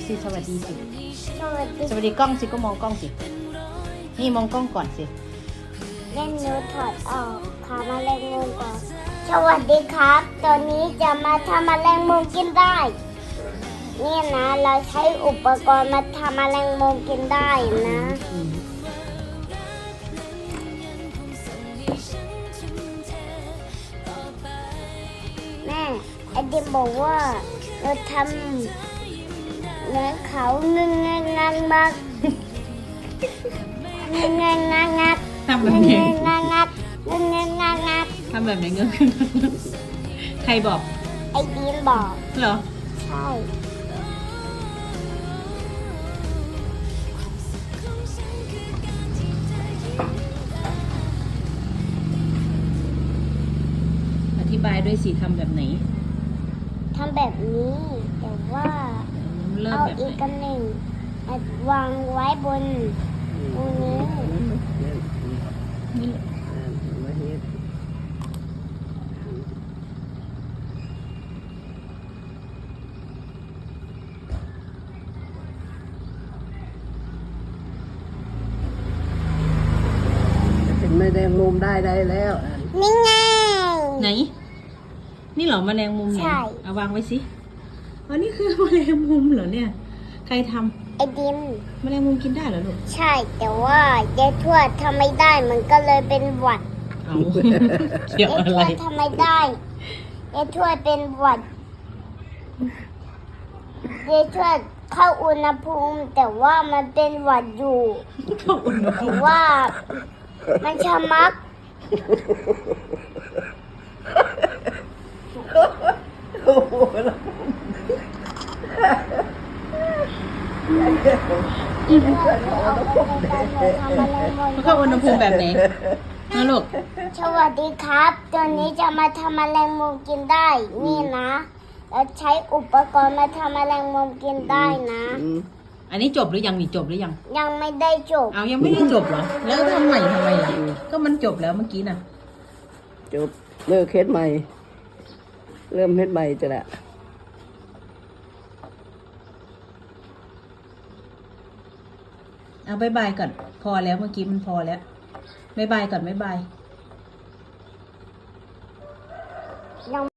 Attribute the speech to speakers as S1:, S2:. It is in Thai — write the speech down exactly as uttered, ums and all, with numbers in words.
S1: สิสวัสดีสิ
S2: สวัสดี
S1: สวัสดีกล้องสิก็มองกล้องสินี่มองกล้องก่อนสิ
S2: เล่นนูถอดออกขาแมลงมุมก่อนสวัสดีครับตอนนี้จะมาทำแมลงมุมกินได้นี่นะเราใช้อุปกรณ์มาทำแมลงมุมกินได้นะ
S1: อืม
S2: แม่ไอเดิมบอกว่าเราทำเหมือนเขาเงงเงงงักมักเงงเงงงักงัก
S1: ทำแบ
S2: เง
S1: บ
S2: ง
S1: ไห
S2: เง
S1: น
S2: งงักงักเงงเงงงักงัก
S1: ทำแบบไหนเงื้อใครบอก
S2: ไอเดิมบอก
S1: เหรอ
S2: ใช่
S1: อธิบายด้วยสิทำแบบไหน
S2: ทำแบบนี้แต่ว่า
S1: เริ่ม
S2: เอา
S1: แบบ
S2: อีก
S1: ไหน
S2: กันหนึ่งมาวางไว้บนตรงนี้
S1: นี่
S3: เป็นแมลงมุมได้ได้แล้ว
S2: นี่ไง
S1: ไหน นี่เหรอแมลงมุมไหน
S2: ใช่
S1: เอาวางไว้สิอ๋อนี่คือแมลงมุมเหรอเนี่ย ใครทำ
S2: ไอดิม
S1: แมลงมุมกินได้เหรอลูก
S2: ใช่แต่ว่ายายทวดทำไม่ได้มันก็เลยเป็นหวัด
S1: เอา เกี่ยวย
S2: าย
S1: อะ
S2: ท
S1: ไร
S2: วดทำไม่ได้ยายทวดเป็นหวัดยายทวดเข้าอุณหภูมิ แต่ว่ามันเป็นหวัดอยู่
S1: เข้าอุณหภู
S2: แต่
S1: มิ
S2: ว่ามันชะมัก
S3: โอ้โห
S2: อีกเพื่อนเอาไปในการทำอะไรม
S1: มันเข้าอุณหภูมิแบบไหนนะลูก
S2: สวัสดีครับตอนนี้จะมาทำแมลงมุมกินได้ นี่นะเราใช้อุปกรณ์มาทำแมลงมุมกินได้นะ
S3: อืม
S1: อันนี้จบหรือยังนี่จบหรือยัง
S2: ยังไม่ได้จบ
S1: เอายังไม่ได้จบเหรอ แล้วทำใหม่ทำไมล่ะ ก็มันจบแล้วเมื่อกี้น่ะ
S3: จบเลิกเฮ็ดใหม่ เริ่มเฮ็ดใหม่จะละ
S1: เอาบายบายก่อน พอแล้วเมื่อกี้มันพอแล้วบายบายก่อนบายบาย